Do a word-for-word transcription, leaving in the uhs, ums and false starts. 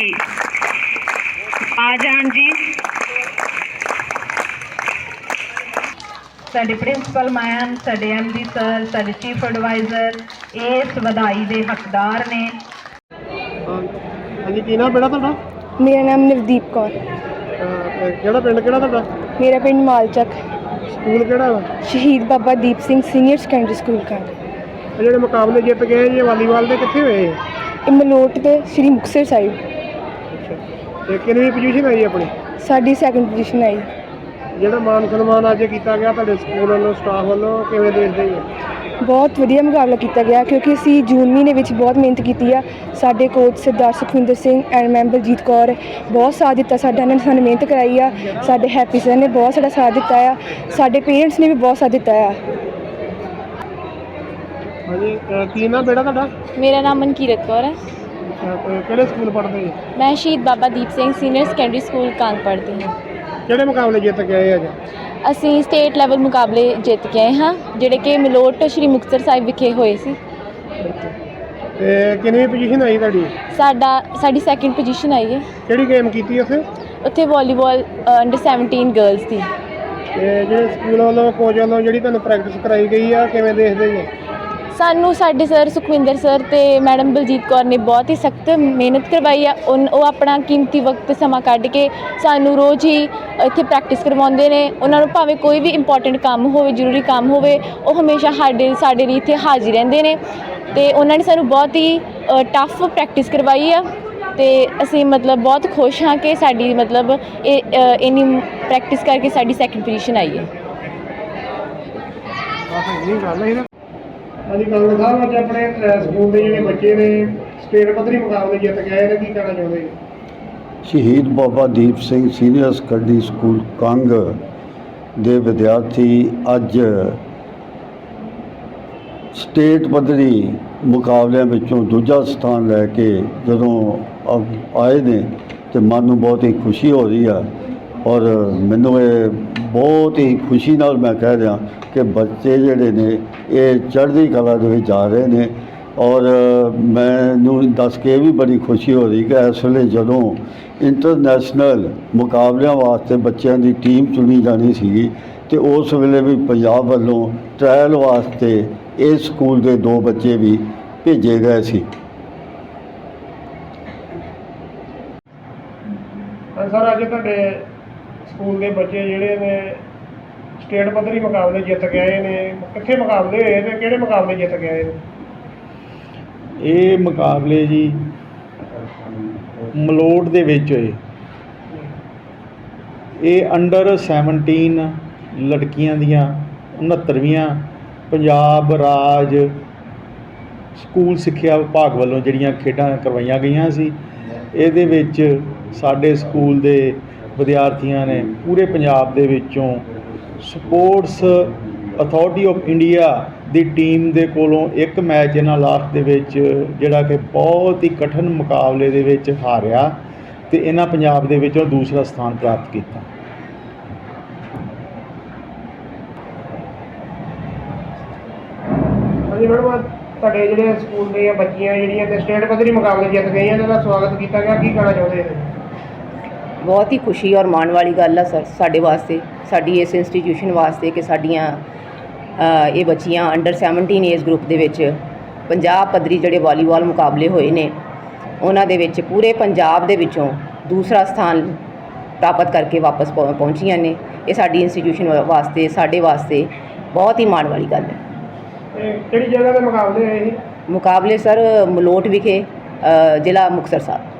जी आ जान जी। साडे प्रिंसिपल मैम, साडे एम डी सर, साडे चीफ एडवाइजर इस वधाई के हकदार ने। हाँ जी, की नाम बेटा तुहाडा? मेरा नाम नवदीप कौर। किहड़ा पिंड किहड़ा तुहाडा? मेरा पिंड मालचक। स्कूल किहड़ा वा? Shaheed Baba Deep Singh senior secondary school का। ਜਿਹੜੇ ਮੁਕਾਬਲੇ ਜਿੱਤ ਗਏ ਜੀ ਵਾਲੀਬਾਲ ਦੇ ਕਿੱਥੇ ਹੋਏ? ਇਹ ਮਲੋਟ ਤੇ ਸ਼੍ਰੀ ਮੁਕਤਸਰ ਸਾਹਿਬ। ਅੱਛਾ, ਤੇ ਕਿੰਨੀ ਪੋਜੀਸ਼ਨ ਆਈ ਆਪਣੀ? ਸਾਡੀ ਸੈਕਿੰਡ ਪੋਜੀਸ਼ਨ ਆਈ। ਜਿਹੜਾ ਮਾਨ ਸਨਮਾਨ ਅੱਜ ਕੀਤਾ ਗਿਆ ਤੁਹਾਡੇ ਸਕੂਲ ਵੱਲੋਂ, ਸਟਾਫ ਵੱਲੋਂ, ਕਿਵੇਂ ਦੇਖਦੇ ਜੀ? ਬਹੁਤ ਵਧੀਆ ਮੁਕਾਬਲਾ ਕੀਤਾ ਗਿਆ ਕਿਉਂਕਿ ਅਸੀਂ ਜੂਨ ਮਹੀਨੇ ਵਿੱਚ ਬਹੁਤ ਮਿਹਨਤ ਕੀਤੀ ਆ। ਸਾਡੇ coach Sardar Sukhwinder Singh and ma'am Baljit Kaur ਬਹੁਤ ਸਾਥ ਦਿੱਤਾ ਸਾਡਾ, ਇਹਨਾਂ ਨੇ ਸਾਨੂੰ ਮਿਹਨਤ ਕਰਾਈ ਆ। ਸਾਡੇ ਹੈਪੀ ਸਰ ਨੇ ਬਹੁਤ ਸਾਡਾ ਸਾਥ ਦਿੱਤਾ ਆ, ਸਾਡੇ ਪੇਰੈਂਟਸ ਨੇ ਵੀ ਬਹੁਤ ਸਾਥ ਦਿੱਤਾ ਆ। ਹਾਂਜੀ, ਕੀ ਨਾਮ ਬੇਟਾ ਤੁਹਾਡਾ? मेरा नाम मनकीरत कौर है। ਕਿਹੜੇ ਸਕੂਲ ਪੜ੍ਹਦੇ ਜੀ? मैं Shaheed Baba Deep Singh senior secondary school Kang पढ़ती हूँ। ਕਿਹੜੇ ਮੁਕਾਬਲੇ ਜਿੱਤ ਕੇ ਆਏ ਅੱਜ? ਅਸੀਂ ਸਟੇਟ ਲੈਵਲ ਮੁਕਾਬਲੇ ਜਿੱਤ ਕੇ ਆਏ ਹਾਂ ਜਿਹੜੇ ਕਿ ਮਲੋਟ ਸ਼੍ਰੀ ਮੁਕਤਸਰ ਸਾਹਿਬ ਵਿਖੇ ਹੋਏ ਸੀ। ਤੇ ਕਿੰਨੀ ਪੋਜੀਸ਼ਨ ਆਈ ਤੁਹਾਡੀ? ਸਾਡਾ ਸਾਡੀ ਸੈਕਿੰਡ ਪੋਜੀਸ਼ਨ ਆਈ ਹੈ। ਕਿਹੜੀ ਗੇਮ ਕੀਤੀ ਉੱਥੇ? ਉੱਥੇ ਵਾਲੀਬਾਲ ਅੰਡਰ ਸੈਵਨਟੀਨ ਗਰਲਸ ਦੀ। ਤੇ ਜਿਹੜੇ ਸਕੂਲ ਵੱਲੋਂ, ਕੋਚ ਵੱਲੋਂ ਜਿਹੜੀ ਤੁਹਾਨੂੰ ਪ੍ਰੈਕਟਿਸ ਕਰਾਈ ਗਈ ਆ, ਕਿਵੇਂ ਦੇਖਦੇ ਜੀ? ਸਾਨੂੰ ਸਾਡੇ ਸਰ ਸੁਖਵਿੰਦਰ ਸਰ ਤੇ ਮੈਡਮ ਬਲਜੀਤ ਕੌਰ ਨੇ ਬਹੁਤ ਹੀ ਸਖਤ ਮਿਹਨਤ ਕਰਵਾਈ ਆ। ਉਨ ਉਹ ਆਪਣਾ ਕੀਮਤੀ ਵਕਤ ਸਮਾਂ ਕੱਢ ਕੇ ਸਾਨੂੰ ਰੋਜ਼ ਹੀ ਇੱਥੇ ਪ੍ਰੈਕਟਿਸ ਕਰਵਾਉਂਦੇ ਨੇ। ਉਹਨਾਂ ਨੂੰ ਭਾਵੇਂ ਕੋਈ ਵੀ ਇੰਪੋਰਟੈਂਟ ਕੰਮ ਹੋਵੇ, ਜ਼ਰੂਰੀ ਕੰਮ ਹੋਵੇ, ਉਹ ਹਮੇਸ਼ਾ ਸਾਡੇ ਸਾਡੇ ਲਈ ਇੱਥੇ ਹਾਜ਼ਰ ਰਹਿੰਦੇ ਨੇ। ਅਤੇ ਉਹਨਾਂ ਨੇ ਸਾਨੂੰ ਬਹੁਤ ਹੀ ਟਫ ਪ੍ਰੈਕਟਿਸ ਕਰਵਾਈ ਆ ਅਤੇ ਅਸੀਂ ਮਤਲਬ ਬਹੁਤ ਖੁਸ਼ ਹਾਂ ਕਿ ਸਾਡੀ ਮਤਲਬ ਇਹ ਇੰਨੀ ਪ੍ਰੈਕਟਿਸ ਕਰਕੇ ਸਾਡੀ ਸੈਕਿੰਡ ਪੋਜੀਸ਼ਨ ਆਈ ਹੈ। ਹਾਂਜੀ, ਕਾਂਗਰਸ ਸਾਹਿਬ ਅੱਜ ਆਪਣੇ ਸਕੂਲ ਦੇ ਜਿਹੜੇ ਬੱਚੇ ਨੇ ਸਟੇਟ ਪੱਧਰੀ ਮੁਕਾਬਲੇ ਜਿੱਤ ਕੇ ਆਏ ਨੇ, ਕੀ ਕਹਿਣਾ ਚਾਹੁੰਦੇ ਜੀ? Shaheed Baba Deep Singh senior secondary school Kang ਦੇ ਵਿਦਿਆਰਥੀ ਅੱਜ ਸਟੇਟ ਪੱਧਰੀ ਮੁਕਾਬਲਿਆਂ ਵਿੱਚੋਂ ਦੂਜਾ ਸਥਾਨ ਲੈ ਕੇ ਜਦੋਂ ਆਏ ਨੇ ਤੇ ਮਨ ਨੂੰ ਬਹੁਤ ਹੀ ਖੁਸ਼ੀ ਹੋ ਰਹੀ ਆ। ਔਰ ਮੈਨੂੰ ਇਹ ਬਹੁਤ ਹੀ ਖੁਸ਼ੀ ਨਾਲ ਮੈਂ ਕਹਿ ਰਿਹਾ ਕਿ ਬੱਚੇ ਜਿਹੜੇ ਨੇ ਇਹ ਚੜ੍ਹਦੀ ਕਲਾ ਦੇ ਵਿੱਚ ਜਾ ਰਹੇ ਨੇ। ਔਰ ਮੈਨੂੰ ਦੱਸ ਕੇ ਵੀ ਬੜੀ ਖੁਸ਼ੀ ਹੋ ਰਹੀ ਕਿ ਇਸ ਵੇਲੇ ਜਦੋਂ ਇੰਟਰਨੈਸ਼ਨਲ ਮੁਕਾਬਲਿਆਂ ਵਾਸਤੇ ਬੱਚਿਆਂ ਦੀ ਟੀਮ ਚੁਣੀ ਜਾਣੀ ਸੀਗੀ ਤੇ ਉਸ ਵੇਲੇ ਵੀ ਪੰਜਾਬ ਵੱਲੋਂ ਟ੍ਰਾਇਲ ਵਾਸਤੇ ਇਸ ਸਕੂਲ ਦੇ ਦੋ ਬੱਚੇ ਵੀ ਭੇਜੇ ਗਏ ਸੀ। ਸਰ, ਅੱਜ ਤੁਹਾਡੇ ਸਕੂਲ ਦੇ ਬੱਚੇ ਜਿਹੜੇ ਨੇ ਸਟੇਟ ਪੱਧਰੀ ਮੁਕਾਬਲੇ ਜਿੱਤ ਕੇ ਆਏ ਨੇ, ਕਿੱਥੇ ਮੁਕਾਬਲੇ ਹੋਏ ਤੇ ਕਿਹੜੇ ਮੁਕਾਬਲੇ ਜਿੱਤ ਕੇ ਆਏ ਨੇ? ਇਹ ਮੁਕਾਬਲੇ ਜੀ ਮਲੋਟ ਦੇ ਵਿੱਚ ਹੋਏ। ਇਹ ਅੰਡਰ ਸੈਵਨਟੀਨ ਲੜਕੀਆਂ ਦੀਆਂ ਉਣਹੱਤਰਵੀਆਂ ਪੰਜਾਬ ਰਾਜ ਸਕੂਲ ਸਿੱਖਿਆ ਵਿਭਾਗ ਵੱਲੋਂ ਜਿਹੜੀਆਂ ਖੇਡਾਂ ਕਰਵਾਈਆਂ ਗਈਆਂ ਸੀ। ਇਹਦੇ ਵਿੱਚ ਸਾਡੇ ਸਕੂਲ ਦੇ ਵਿਦਿਆਰਥੀਆਂ ਨੇ ਪੂਰੇ ਪੰਜਾਬ ਦੇ ਵਿੱਚੋਂ ਸਪੋਰਟਸ ਅਥਾਰਟੀ ਆਫ ਇੰਡੀਆ ਦੀ ਟੀਮ ਦੇ ਕੋਲੋਂ ਇੱਕ ਮੈਚ ਇਹਨਾਂ ਲਾਸਟ ਦੇ ਵਿੱਚ ਜਿਹੜਾ ਕਿ ਬਹੁਤ ਹੀ ਕਠਿਨ ਮੁਕਾਬਲੇ ਦੇ ਵਿੱਚ ਹਾਰਿਆ ਤੇ ਇਹਨਾਂ ਪੰਜਾਬ ਦੇ ਵਿੱਚੋਂ ਦੂਸਰਾ ਸਥਾਨ ਪ੍ਰਾਪਤ ਕੀਤਾ। ਹਾਂਜੀ ਮੈਡਮ, ਤੁਹਾਡੇ ਜਿਹੜੇ ਸਕੂਲ ਦੀਆਂ ਬੱਚੀਆਂ ਜਿਹੜੀਆਂ ਤੇ ਸਟੇਟ ਪੱਧਰੀ ਮੁਕਾਬਲੇ ਜਿੱਤ ਗਈਆਂ, ਇਹਨਾਂ ਦਾ ਸਵਾਗਤ ਕੀਤਾ ਗਿਆ, ਕੀ ਕਹਿਣਾ ਚਾਹੁੰਦੇ ਨੇ? ਬਹੁਤ ਹੀ ਖੁਸ਼ੀ ਔਰ ਮਾਣ ਵਾਲੀ ਗੱਲ ਆ ਸਰ ਸਾਡੇ ਵਾਸਤੇ, ਸਾਡੀ ਇਸ ਇੰਸਟੀਟਿਊਸ਼ਨ ਵਾਸਤੇ ਕਿ ਸਾਡੀਆਂ ਇਹ ਬੱਚੀਆਂ ਅੰਡਰ ਸੈਵਨਟੀਨ ਏਜ ਗਰੁੱਪ ਦੇ ਵਿੱਚ ਪੰਜਾਬ ਪੱਧਰੀ ਜਿਹੜੇ ਵਾਲੀਬਾਲ ਮੁਕਾਬਲੇ ਹੋਏ ਨੇ ਉਹਨਾਂ ਦੇ ਵਿੱਚ ਪੂਰੇ ਪੰਜਾਬ ਦੇ ਵਿੱਚੋਂ ਦੂਸਰਾ ਸਥਾਨ ਪ੍ਰਾਪਤ ਕਰਕੇ ਵਾਪਸ ਪਹੁੰਚੀਆਂ ਨੇ। ਇਹ ਸਾਡੀ ਇੰਸਟੀਟਿਊਸ਼ਨ ਵਾਸਤੇ, ਸਾਡੇ ਵਾਸਤੇ ਬਹੁਤ ਹੀ ਮਾਣ ਵਾਲੀ ਗੱਲ ਹੈ। ਕਿਹੜੀ ਜਗ੍ਹਾ ਦੇ ਮੁਕਾਬਲੇ ਹੋਏ ਸੀ? ਮੁਕਾਬਲੇ ਸਰ ਮਲੋਟ ਵਿਖੇ, ਜ਼ਿਲ੍ਹਾ ਮੁਕਤਸਰ ਸਾਹਿਬ।